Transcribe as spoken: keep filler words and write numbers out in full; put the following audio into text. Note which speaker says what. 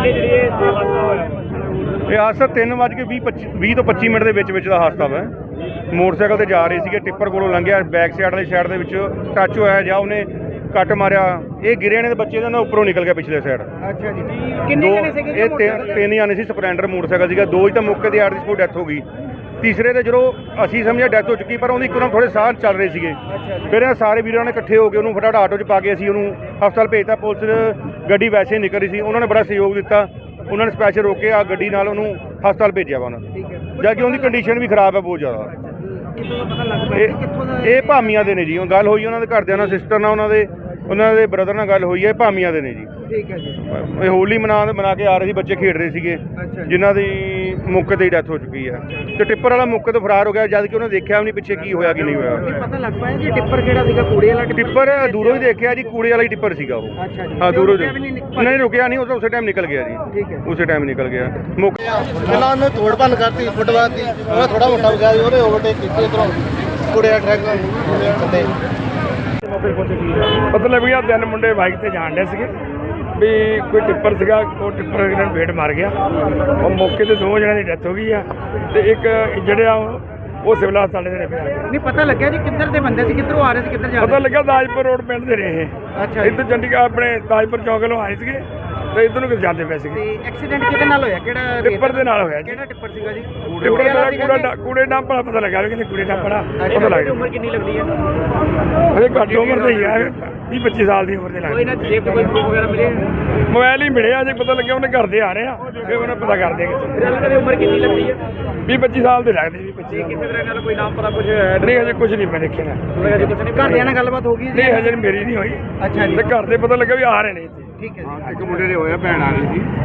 Speaker 1: ਵੇਲੇ ਜਿਹੜੀ ਇਹ ਹਾਦਸਾ ਹੋਇਆ?
Speaker 2: ਇਹ ਹਾਦਸਾ ਤਿੰਨ ਵੱਜ ਕੇ ਵੀਹ ਪੱਚੀ ਵੀਹ ਤੋਂ ਪੱਚੀ ਮਿੰਟ ਦੇ ਵਿੱਚ ਵਿੱਚ ਦਾ ਹਾਦਸਾ ਵਾ। ਮੋਟਰਸਾਈਕਲ ਤੇ ਜਾ ਰਹੇ ਸੀਗੇ, ਟਿੱਪਰ ਕੋਲੋਂ ਲੰਘਿਆ, ਬੈਕ ਸਾਈਡ ਵਾਲੀ ਸਾਈਡ ਦੇ ਵਿੱਚ ਟੱਚ ਹੋਇਆ ਜਾਂ ਉਹਨੇ ਕੱਟ ਮਾਰਿਆ। ਇਹ ਗਿਰੇ ਨੇ ਦੇ ਬੱਚੇ ਦਾ ਨਾ ਉੱਪਰੋਂ ਨਿਕਲ ਗਿਆ ਪਿਛਲੇ ਸਾਈਡ।
Speaker 1: ਅੱਛਾ ਜੀ, ਕਿੰਨੇ ਜਣੇ ਸੀਗੇ?
Speaker 2: ਇਹ ਤਿੰਨ ਤਿੰਨ ਜਾਣੇ ਸੀ। ਸਪਲੈਂਡਰ ਮੋਟਰਸਾਈਕਲ ਸੀਗਾ, ਦੋ ਹੀ ਤਾਂ ਮੌਕੇ ਤੇ ਆਰ ਦੀ ਸਪੋਰਟ ਡੈਥ ਹੋ ਗਈ। ਤੀਸਰੇ ਤੇ ਜਦੋਂ ਅਸੀਂ ਸਮਝਿਆ ਡੈਥ ਹੋ ਚੁੱਕੀ, ਪਰ ਉਹਦੀ ਇੱਕਦਮ ਥੋੜੇ ਸਾਹ ਚੱਲ ਰਹੇ ਸੀਗੇ। ਫਿਰ ਇਹ ਸਾਰੇ ਵੀਰਾਂ ਨੇ ਇਕੱਠੇ ਹੋ ਕੇ ਉਹਨੂੰ ਫਟਾਫਟ ਆਟੋ 'ਚ ਪਾ ਕੇ ਅਸੀਂ ਉਹਨੂੰ ਹਸਪਤਾਲ ਭੇਜਤਾ। ਪੁਲਿਸ ਗੱਡੀ ਵੈਸੇ ਹੀ ਨਿਕਲ ਰਹੀ ਸੀ, ਉਹਨਾਂ ਨੇ ਬੜਾ ਸਹਿਯੋਗ ਦਿੱਤਾ। ਉਹਨਾਂ ਨੇ ਸਪੈਸ਼ਲ ਰੋਕ ਕੇ ਆ ਗੱਡੀ ਨਾਲ ਉਹਨੂੰ ਹਸਪਤਾਲ ਭੇਜਿਆ ਵਾ ਉਹਨਾਂ ਨੇ, ਜਦ ਕਿ ਉਹਦੀ ਕੰਡੀਸ਼ਨ ਵੀ ਖਰਾਬ ਹੈ ਬਹੁਤ ਜ਼ਿਆਦਾ। ਇਹ ਇਹ ਭਾਮੀਆਂ ਦੇ ਨੇ ਜੀ। ਉਹ ਗੱਲ ਹੋਈ ਉਹਨਾਂ ਦੇ ਘਰਦਿਆਂ ਨਾਲ, ਸਿਸਟਰ ਨਾਲ, ਉਹਨਾਂ ਦੇ ਉਹਨਾਂ ਦੇ ਬ੍ਰਦਰ ਨਾਲ ਗੱਲ ਹੋਈ ਹੈ। ਭਾਮੀਆਂ ਦੇ ਨੇ ਜੀ।
Speaker 1: ਠੀਕ ਹੈ ਜੀ।
Speaker 2: ਇਹ ਹੋਲੀ ਮਨਾ ਮਨਾ ਕੇ ਆ ਰਹੇ ਸੀ, ਬੱਚੇ ਖੇਡ ਰਹੇ ਸੀਗੇ, ਜਿਨ੍ਹਾਂ ਦੀ ਮੌਕੇ ਤੇ ਹੀ ਡੈਥ ਹੋ ਚੁੱਕੀ ਹੈ। ਤੇ ਟਿੱਪਰ ਵਾਲਾ ਮੌਕੇ ਤੋਂ ਫਰਾਰ ਹੋ ਗਿਆ, ਜਦ ਕਿ ਉਹਨੇ ਦੇਖਿਆ ਵੀ ਨਹੀਂ ਪਿੱਛੇ ਕੀ ਹੋਇਆ ਕੀ ਨਹੀਂ ਹੋਇਆ।
Speaker 1: ਪਤਾ ਲੱਗ ਪਾਇਆ ਜੀ ਟਿੱਪਰ ਕਿਹੜਾ ਸੀਗਾ? ਕੂੜੇ ਵਾਲਾ
Speaker 2: ਟਿੱਪਰ ਦੂਰੋਂ ਹੀ ਦੇਖਿਆ ਜੀ, ਕੂੜੇ ਵਾਲਾ ਹੀ ਟਿੱਪਰ ਸੀਗਾ ਉਹ। ਹਾਂ, ਦੂਰੋਂ ਨਹੀਂ ਰੁਕਿਆ, ਨਹੀਂ ਉਹ ਤਾਂ ਉਸੇ ਟਾਈਮ ਨਿਕਲ ਗਿਆ ਜੀ।
Speaker 1: ਠੀਕ ਹੈ,
Speaker 2: ਉਸੇ ਟਾਈਮ ਨਿਕਲ ਗਿਆ। ਮੌਕੇ
Speaker 3: ਪਹਿਲਾਂ ਉਹਨੇ ਤੋੜ ਭੰਨ ਕਰਤੀ, ਫੁੱਟਬਾਲ ਦੀ ਉਹਦਾ ਥੋੜਾ ਮੋਟਾ ਹੋ ਗਿਆ, ਉਹਦੇ ਓਵਰਟੇਕ ਕੀਤੀ ਇਧਰੋਂ ਕੂੜੇ ਦਾ ਟਰੱਕ ਥੱਲੇ।
Speaker 4: ਮਤਲਬ ਇਹ ਤਿੰਨ ਮੁੰਡੇ ਬਾਈਕ ਤੇ ਜਾਣ ਡੇ ਸੀਗੇ ਵੀ ਕੋਈ ਟਿੱਪਰ ਸੀਗਾ, ਉਹ ਟਿੱਪਰ ਇਹਨਾਂ ਨੂੰ ਵੇਟ ਮਾਰ ਗਿਆ। ਉਹ ਮੌਕੇ ਤੇ ਦੋ ਜਣਿਆਂ ਦੀ ਡੈਥ ਹੋ ਗਈ ਆ ਤੇ ਇੱਕ ਜਿਹੜੇ ਆ ਉਹ ਸਿਵਲ ਹਸਪਤਾਲ ਦੇ ਨੇ ਪਿਆ।
Speaker 1: ਨਹੀਂ ਪਤਾ ਲੱਗਿਆ ਜੀ ਕਿੱਧਰ ਦੇ ਬੰਦੇ ਸੀ, ਕਿੱਧਰੋਂ ਆ ਰਹੇ ਸੀ, ਕਿੱਧਰ ਜਾ ਰਹੇ?
Speaker 4: ਪਤਾ ਲੱਗਾ ਦਾਜਪੁਰ ਰੋਡ ਪਿੰਡ ਦੇ ਰਹੇ ਇਹ।
Speaker 1: ਅੱਛਾ,
Speaker 4: ਇੱਧਰ ਚੰਡੀਗੜ੍ਹ ਆਪਣੇ ਦਾਜਪੁਰ ਚੌਂਕ ਵੱਲੋਂ ਆਏ ਸੀਗੇ ਤੇ ਇੱਧਰ ਨੂੰ ਕਿਤੇ ਜਾਂਦੇ ਪਏ ਸੀਗੇ।
Speaker 1: ਤੇ ਐਕਸੀਡੈਂਟ ਕਿਹਦੇ ਨਾਲ ਹੋਇਆ? ਕਿਹੜਾ
Speaker 4: ਟਿੱਪਰ ਦੇ ਨਾਲ ਹੋਇਆ ਜੀ।
Speaker 1: ਕਿਹੜਾ ਟਿੱਪਰ ਸੀਗਾ ਜੀ?
Speaker 4: ਟਿੱਪਰ ਦਾ ਕੂੜਾ ਕੂੜੇ ਡੰਪ ਵਾਲਾ ਪਤਾ ਲੱਗਾ ਵੀ ਕਿਤੇ ਕੂੜੇ ਡੰਪ ਵਾਲਾ ਪਤਾ ਲੱਗ ਗਿਆ।
Speaker 1: ਉਮਰ ਕਿੰਨੀ ਲੱਗਦੀ ਹੈ?
Speaker 4: ਅਜੇ ਘੱਟ ਉਮਰ ਦੇ ਹੀ ਆ, ਵੀਹ ਪੱਚੀ ਸਾਲ ਦੀ ਉਮਰ ਦੇ
Speaker 1: ਕੋਈ
Speaker 4: ਲੱਗਦੇ।
Speaker 1: ਨਾ ਜੇਬ ਕੋਈ ਪ੍ਰੂਫ ਵਗੈਰਾ ਮਿਲੇ?
Speaker 4: ਮੋਬਾਈਲ ਹੀ ਮਿਲਿਆ, ਅਜੇ ਪਤਾ ਲੱਗਿਆ ਉਹਨੇ ਘਰ ਦੇ ਆ ਰਹੇ ਆ, ਫਿਰ ਉਹਨੇ ਪਤਾ ਕਰਦੇ ਕਿੱਥੇ।
Speaker 1: ਇਹਨਾਂ ਦੀ ਉਮਰ ਕਿੰਨੀ ਲੱਗਦੀ ਹੈ?
Speaker 4: ਵੀਹ ਪੱਚੀ ਸਾਲ ਦੇ ਲੱਗਦੇ, ਵੀਹ ਪੱਚੀ ਸਾਲ।
Speaker 1: ਕਿਸੇ ਤਰ੍ਹਾਂ ਨਾਲ ਕੋਈ ਨਾਮ ਪਤਾ ਕੁਝ
Speaker 4: ਨਹੀਂ ਹਜੇ ਕੁਝ ਨਹੀਂ ਮੈਂ ਦੇਖਿਆ ਨਾ।
Speaker 1: ਹਜੇ ਕੁਝ ਨਹੀਂ? ਘਰਦਿਆਂ ਨਾਲ ਗੱਲਬਾਤ ਹੋ ਗਈ ਜੀ?
Speaker 4: ਨਹੀਂ ਹਜੇ ਮੇਰੀ ਨਹੀਂ ਹੋਈ।
Speaker 1: ਅੱਛਾ ਜੀ,
Speaker 4: ਤੇ ਘਰ ਦੇ ਪਤਾ ਲੱਗਾ ਵੀ ਆ ਰਹੇ ਨੇ ਇੱਥੇ।
Speaker 1: ਠੀਕ ਹੈ ਜੀ।
Speaker 2: ਇੱਕ ਮੁੰਡੇ ਦੇ ਹੋਇਆ, ਭੈਣ ਆ ਰਹੀ ਸੀ।